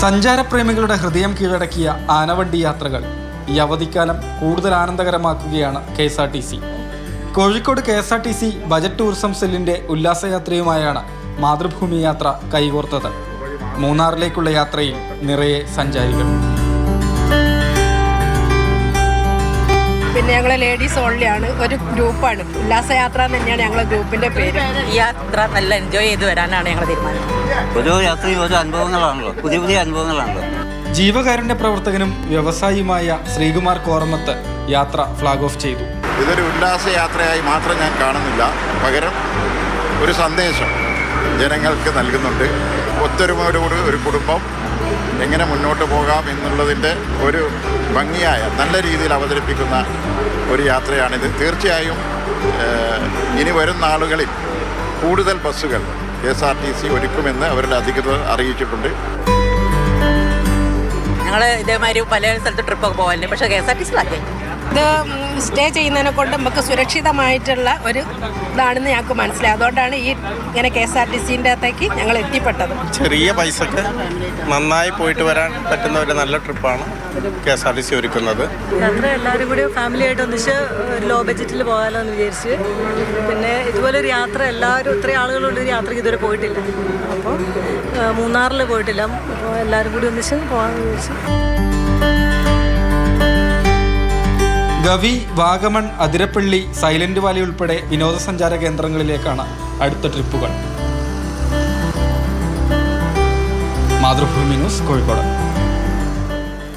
സഞ്ചാരപ്രേമികളുടെ ഹൃദയം കീഴടക്കിയ ആനവണ്ടി യാത്രകൾ ഈ അവധിക്കാലം കൂടുതൽ ആനന്ദകരമാക്കുകയാണ് KSRTC. Kozhikode KSRTC budget tourism സെല്ലിന്റെ ഉല്ലാസയാത്രയുമായാണ് മാതൃഭൂമി യാത്ര കൈകോർത്തത്. മൂന്നാറിലേക്കുള്ള യാത്രയിൽ നിറയെ സഞ്ചാരികൾ. പിന്നെ ഞങ്ങൾ ലേഡീസ് ഓൺലി ആണ്, ഒരു ഗ്രൂപ്പാണ്. ഉല്ലാസയാത്ര എന്ന് തന്നെയാണ് ഞങ്ങളുടെ ഗ്രൂപ്പിന്റെ പേര്. ഈ യാത്ര നല്ല എൻജോയ് ചെയ്ത് വരാനാണ് ഞങ്ങൾ തീരുമാനം. ഓരോ യാത്രയും ഓരോ അനുഭവങ്ങളാണല്ലോ, പുതിയ പുതിയ അനുഭവങ്ങളാണല്ലോ. ജീവകാരുണ്യ പ്രവർത്തകനും വ്യവസായിയുമായ ശ്രീകുമാർ കോറമത്ത് യാത്ര ഫ്ലാഗ് ഓഫ് ചെയ്തു. ഇതൊരു ഉല്ലാസയാത്രയായി മാത്രം ഞാൻ കാണുന്നില്ല, പകരം ഒരു സന്ദേശം ജനങ്ങൾക്ക് നൽകുന്നുണ്ട്. ഒത്തൊരുമയോടുകൂടി ഒരു കുടുംബം എങ്ങനെ മുന്നോട്ട് പോകാം എന്നുള്ളതിൻ്റെ ഒരു ഭംഗിയായ നല്ല രീതിയിൽ അവതരിപ്പിക്കുന്ന ഒരു യാത്രയാണിത്. തീർച്ചയായും ഇനി വരുന്ന നാളുകളിൽ കൂടുതൽ ബസ്സുകൾ KSRTC ഒരുക്കുമെന്ന് അവരുടെ അധികൃതർ അറിയിച്ചിട്ടുണ്ട്. ഞങ്ങൾ ഇതേമാതിരി പല സ്ഥലത്ത് ട്രിപ്പൊക്കെ പോകാറുണ്ട്, പക്ഷേ KSRTC ഇത് സ്റ്റേ ചെയ്യുന്നതിനെ കൊണ്ട് നമുക്ക് സുരക്ഷിതമായിട്ടുള്ള ഒരു ഇതാണെന്ന് ഞങ്ങൾക്ക് മനസ്സിലായി. അതുകൊണ്ടാണ് ഇങ്ങനെ KSRTCൻ്റെ അകത്തേക്ക് ഞങ്ങൾ എത്തിപ്പെട്ടത്. ചെറിയ പൈസക്ക് നന്നായി പോയിട്ട് വരാൻ പറ്റുന്ന ഒരു നല്ല ട്രിപ്പാണ് KSRTC ഒരുക്കുന്നത്. യാത്ര എല്ലാവരും കൂടി ഫാമിലി ആയിട്ട് ഒന്നിച്ച് ലോ ബഡ്ജറ്റിൽ പോകാമല്ലോ എന്ന് വിചാരിച്ച്. പിന്നെ ഇതുപോലൊരു യാത്ര എല്ലാവരും ഇത്രയും ആളുകളുള്ളൊരു യാത്രയ്ക്ക് ഇതുവരെ പോയിട്ടില്ല. അപ്പോൾ മൂന്നാറിൽ പോയിട്ടില്ല, അപ്പോൾ എല്ലാവരും കൂടി ഒന്നിച്ച് പോകാമെന്ന് വിചാരിച്ചു. ഗവി, വാഗമൺ, അതിരപ്പള്ളി, സൈലന്റ് വാലി ഉൾപ്പെടെ വിനോദസഞ്ചാര കേന്ദ്രങ്ങളിലേക്കാണ് അടുത്ത ട്രിപ്പുകൾ. മാതൃഭൂമി ന്യൂസ്, കോഴിക്കോട്.